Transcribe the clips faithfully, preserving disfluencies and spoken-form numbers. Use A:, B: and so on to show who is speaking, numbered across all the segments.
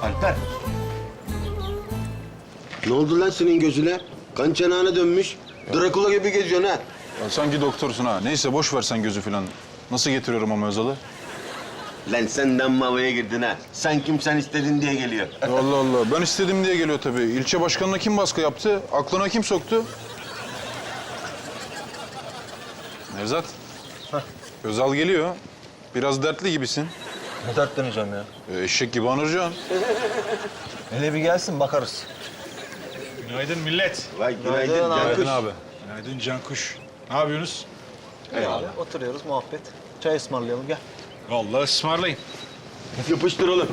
A: Alper. Ne oldu lan senin gözüne? Kan çanağına dönmüş. Drakula gibi geziyorsun ha.
B: Ya sanki doktorsun ha. Neyse boş ver sen gözü falan. Nasıl getiriyorum ama Özal'ı?
A: Lan sen de amma havaya girdin ha. Sen kim sen istedin diye geliyor.
B: Allah Allah. Ben istedim diye geliyor tabii. İlçe başkanına kim baskı yaptı? Aklına kim soktu? Nevzat. Özal geliyor. Biraz dertli gibisin.
C: Ne dertleneceğim ya?
B: E, eşek gibi anıracaksın.
C: Hele bir gelsin bakarız.
D: Günaydın millet.
A: Vay günaydın
C: Günaydın abi.
A: Cankuş.
B: Günaydın abi.
D: Günaydın Cankuş. Ne yapıyorsunuz?
C: Abi, oturuyoruz muhabbet. Çay ısmarlayalım gel.
D: Vallahi ısmarlayın.
A: Yapıştır oğlum.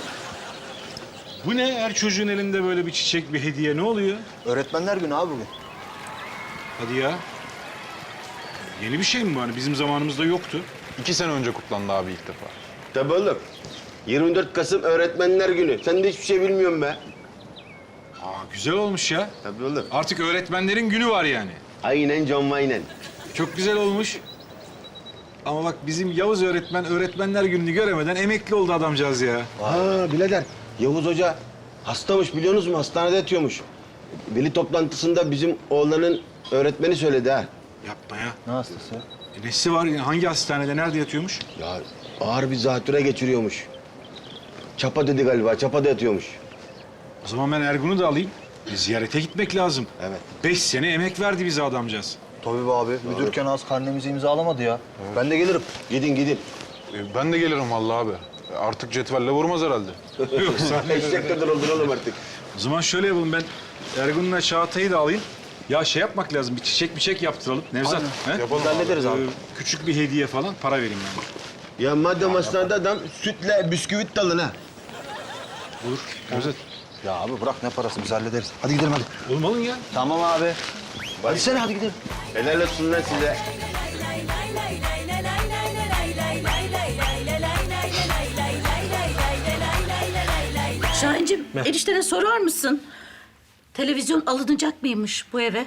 D: Bu ne? Her çocuğun elinde böyle bir çiçek, bir hediye. Ne oluyor?
C: Öğretmenler günü abi bugün.
D: Hadi ya. Yeni bir şey mi bu? Hani bizim zamanımızda yoktu.
B: İki sene önce kutlandı abi ilk defa.
A: Tabii oğlum. yirmi dört Kasım Öğretmenler Günü. Sen de hiçbir şey bilmiyorsun be.
D: Aa, güzel olmuş ya.
A: Tabii oğlum.
D: Artık öğretmenlerin günü var yani.
A: Aynen John Wayne'en.
D: Çok güzel olmuş. Ama bak bizim Yavuz öğretmen öğretmenler gününü göremeden emekli oldu adamcağız ya.
A: Ha birader. Yavuz Hoca hastamış biliyorsunuz mu? Hastanede yatıyormuş. Veli toplantısında bizim oğlanın öğretmeni söyledi ha.
D: Yapma ya.
C: Ne hastası ya?
D: E, nesi var? Hangi hastanede? Nerede yatıyormuş?
A: Ya ağır bir zatüre geçiriyormuş. Çapa dedi galiba. Çapa'da yatıyormuş.
D: O zaman ben Ergun'u da alayım. E, ziyarete gitmek lazım.
A: Evet.
D: Beş sene emek verdi bize adamcağız.
C: Tabii be abi. Müdürken az karnemizi imzalamadı ya. Ben de gelirim.
A: Gidin gidin.
B: E, ben de gelirim vallahi abi. E, artık cetvelle vurmaz herhalde.
D: Yok, sen-
A: Eşek kadar oldun oğlum artık.
D: O zaman şöyle yapalım, ben Ergun'la Çağatay'ı da alayım. Ya şey yapmak lazım, bir çiçek bir çiçek yaptıralım. Nevzat, he?
B: Yapalım
C: Biz hallederiz abi.
D: Ee, küçük bir hediye falan, para vereyim yani.
A: Ya madem hastanede adam sütle bisküvit dalın ha.
D: Olur, Nevzat.
C: Ya abi bırak ne parası biz hallederiz. Hadi gidelim hadi.
D: Oğlum alın ya.
C: Tamam abi. Hadi sen hadi gidelim.
A: Helal olsun lan size.
E: Şahinciğim, eniştene sorar mısın? Televizyon alınacak mıymış bu eve?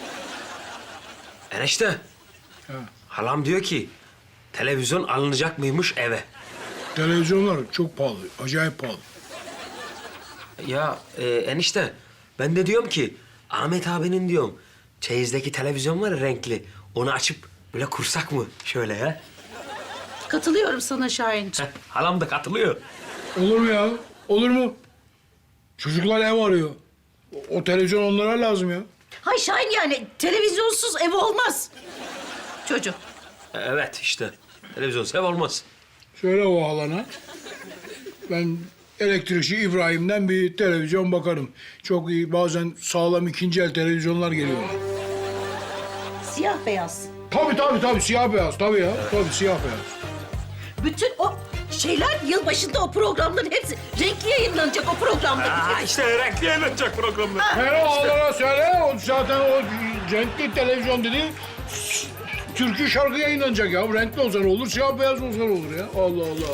F: Enişte. Halam diyor ki televizyon alınacak mıymış eve.
G: Televizyonlar çok pahalı, acayip pahalı.
F: Ya e, enişte ben de diyorum ki Ahmet abinin diyorum çeyizdeki televizyon var ya renkli. Onu açıp böyle kursak mı şöyle ya?
E: Katılıyorum sana Şahinciğim.
F: Heh, halam da katılıyor.
G: Olur mu ya? Olur mu? Çocuklar ev arıyor. O, o televizyon onlara lazım ya.
E: Hay Şahin yani televizyonsuz ev olmaz. Çocuk.
F: E, Evet işte televizyon sev olmaz.
G: Söyle o halana. Ben elektrikçi İbrahim'den bir televizyon bakarım. Çok iyi, bazen sağlam ikinci el televizyonlar geliyor.
E: Siyah beyaz.
G: Tabii tabii tabii, siyah beyaz tabii ya. Tabii siyah beyaz.
E: Bütün o şeyler yılbaşında o programların hepsi renkli yayınlanacak o programların.
F: Aa, işte renkli yayınlanacak programlar.
G: Hele halana söyle, o zaten o renkli televizyon dedi. Türkü şarkı yayınlanacak ya. Renkli olsa ne olur, siyah beyaz olsa ne olur ya. Allah Allah.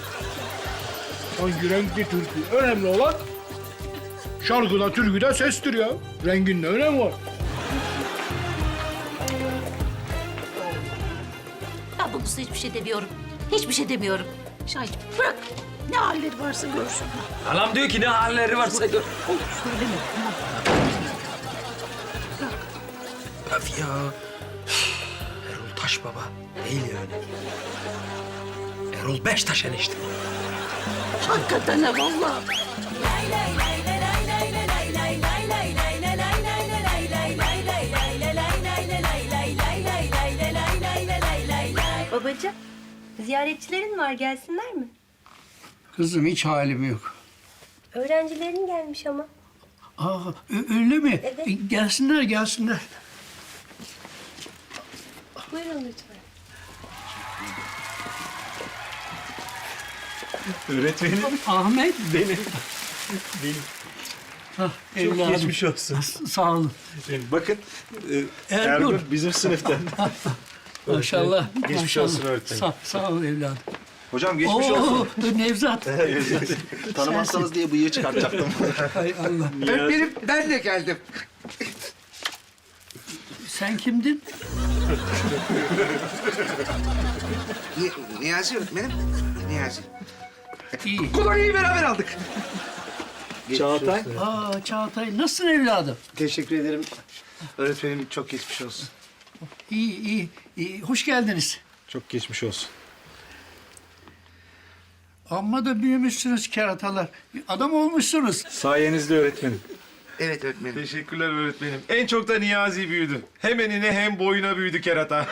G: Hangi renkli türkü? Önemli olan şarkıda, türküde sestir ya. Rengin ne önemi var?
E: Ben bunun üstüne hiçbir şey demiyorum. Hiçbir şey demiyorum. Şahin bırak. Ne halleri varsa görsün.
F: Halam diyor ki ne halleri varsa gör.
E: Olur söyleme. Tamam.
F: Öf ya. Erol Taş baba değil yani. Erol Beştaş enişte.
E: Hakikaten ha vallahi.
H: Babacığım, ziyaretçilerin var, gelsinler mi?
I: Kızım hiç halim yok.
H: Öğrencilerin gelmiş ama.
I: Aa, ö- öyle mi?
H: Evet.
I: E, gelsinler, gelsinler.
H: Buyurun lütfen.
D: Öğretmenim.
I: Ahmet.
D: Benim.
I: Hah, evladım.
D: geçmiş olsun.
I: S- Sağ olun.
D: Bakın, e,
I: Ergun.
D: Ergun bizim sınıftan.
I: Maşallah.
D: Geçmiş
I: maşallah.
D: olsun öğretmenim.
I: Sağ, sağ ol evladım.
C: Hocam geçmiş
I: Oo,
C: olsun.
I: Nevzat.
C: Tanımazsanız diye bıyığı çıkartacaktım.
I: Hay Allah.
J: Benim, ben de geldim.
I: Sen kimdin?
J: Ni- Niyazi öğretmenim. Niyazi.
I: İyi.
J: Kolonyayı beraber aldık.
D: Çağatay.
I: Aa Çağatay nasılsın evladım?
C: Teşekkür ederim. Öğretmenim çok geçmiş olsun.
I: İyi iyi iyi. Hoş geldiniz.
D: Çok geçmiş olsun.
I: Amma da büyümüşsünüz keratalar. Adam olmuşsunuz.
D: Sayenizde öğretmenim.
J: Evet öğretmenim.
D: Teşekkürler öğretmenim. En çok da Niyazi büyüdü. Hem enine hem boyuna büyüdü kerata.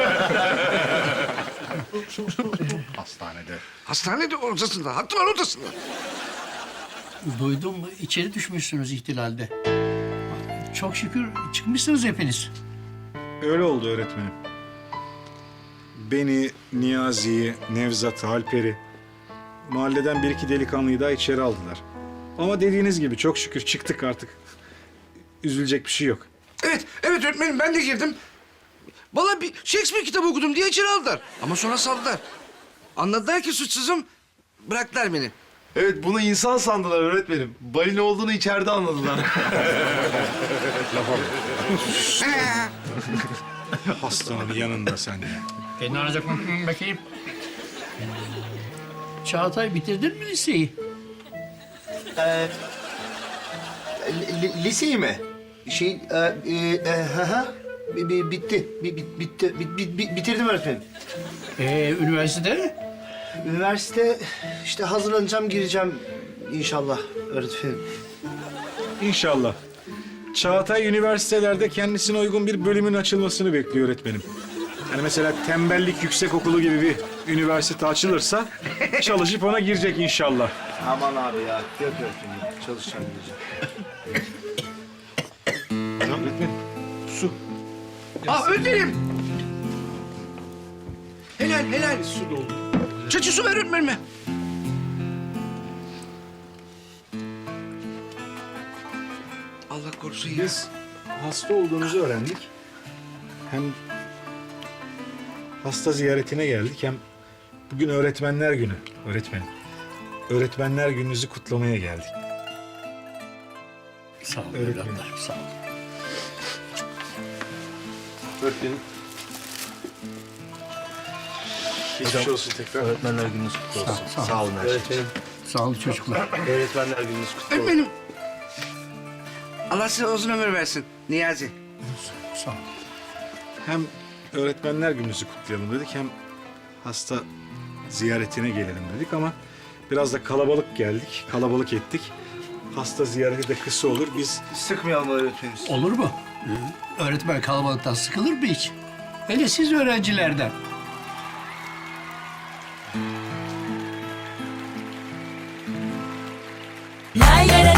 J: Hastanede. Hastanede odasında. Hatılar odasında.
I: Duydum içeri düşmüşsünüz ihtilalde. Çok şükür çıkmışsınız hepiniz.
K: Öyle oldu öğretmenim. Beni, Niyazi'yi, Nevzat'ı, Alper'i, mahalleden bir iki delikanlıyı daha içeri aldılar. Ama dediğiniz gibi çok şükür çıktık artık. Üzülecek bir şey yok.
J: Evet, evet öğretmenim ben de girdim. Vallahi bir Shakespeare kitabı okudum diye içeri aldılar. Ama sonra saldılar. Anladılar ki suçsuzum, bıraktılar beni.
D: Evet, bunu insan sandılar öğretmenim. Balina olduğunu içeride anladılar.
K: Hastanın yanında sen ya.
I: Beni alacak bakayım. Çağatay bitirdin mi liseyi?
C: Liseyi mi? Şey, e, e, e, hı hı. Bi- bi- bitti. Bi- bi- bitti. Bi- bi- bi- bitirdim öğretmenim.
I: Ee, üniversitede?
C: Üniversite işte hazırlanacağım, gireceğim inşallah öğretmenim.
K: İnşallah. Çağatay üniversitelerde kendisine uygun bir bölümün açılmasını bekliyor öğretmenim. Yani mesela tembellik yüksekokulu gibi bir üniversite açılırsa çalışıp ona girecek inşallah.
C: Aman abi ya. Yok öğretmenim. Çalışacağım, gireceğim.
K: Tamam öğretmenim. Su.
J: Aa öğretmenim! Helal, helal. Su doldu. Çeçil su ver öğretmenime. Allah korusun ya.
K: Biz hasta olduğunuzu öğrendik. Hem hasta ziyaretine geldik hem bugün öğretmenler günü öğretmenim. Öğretmenler gününüzü kutlamaya geldik.
I: Sağ olun
K: Öğretmenim.
I: evlatlarım, sağ olun.
D: Öğretmenim. Geçmiş olsun tekrar.
C: Öğretmenler gününüz kutlu olsun.
I: Sağ ol.
C: Sağ olun her şey. Öğretmenim.
I: Sağ olun çocuklar.
C: Öğretmenler gününüz kutlu olsun.
J: Öğretmenim. Allah size uzun ömür versin Niyazi.
I: Sağ ol.
K: Hem öğretmenler gününüzü kutlayalım dedik hem hasta ziyaretine gelelim dedik ama biraz da kalabalık geldik, kalabalık ettik. Hasta ziyareti de kısa olur. Biz
C: Sıkmayalım öğretmenim.
I: Olur mu? Öğretmen kalabalıktan sıkılır mı hiç? Hele siz öğrencilerden.
E: Lay lay lay